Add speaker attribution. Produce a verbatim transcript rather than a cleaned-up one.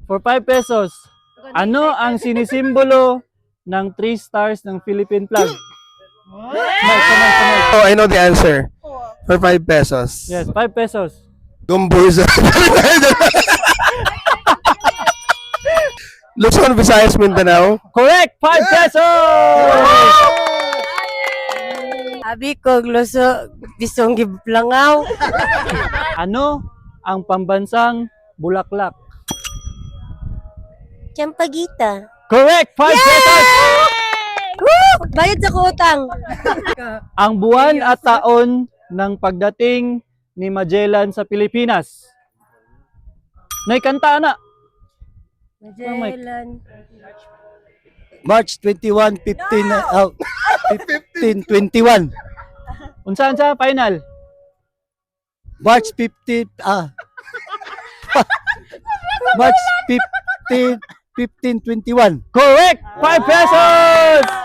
Speaker 1: For five pesos, ano ang sinisimbolo ng three stars ng Philippine flag? Mike, kamay, kamay.
Speaker 2: Oh, I know the answer. For five pesos.
Speaker 1: Yes, five pesos.
Speaker 2: Gumburza. Luzon, Visayas, Mindanao.
Speaker 1: Correct! five pesos!
Speaker 3: Abi ko, gloso, bisong giblangaw.
Speaker 1: Ano ang pambansang bulaklak?
Speaker 3: Champagita.
Speaker 1: Correct! five pesos!
Speaker 3: Woo! Bayad sa kutang.
Speaker 1: Ang buwan at taon ng pagdating ni Magellan sa Pilipinas. Naikanta na.
Speaker 3: Magellan.
Speaker 4: March twenty-one, fifteen, uh, fifteen twenty-one.
Speaker 1: Unsaan sa final?
Speaker 4: March fifteenth, ah. March fifteenth, fifteen twenty-one.
Speaker 1: Correct! five pesos!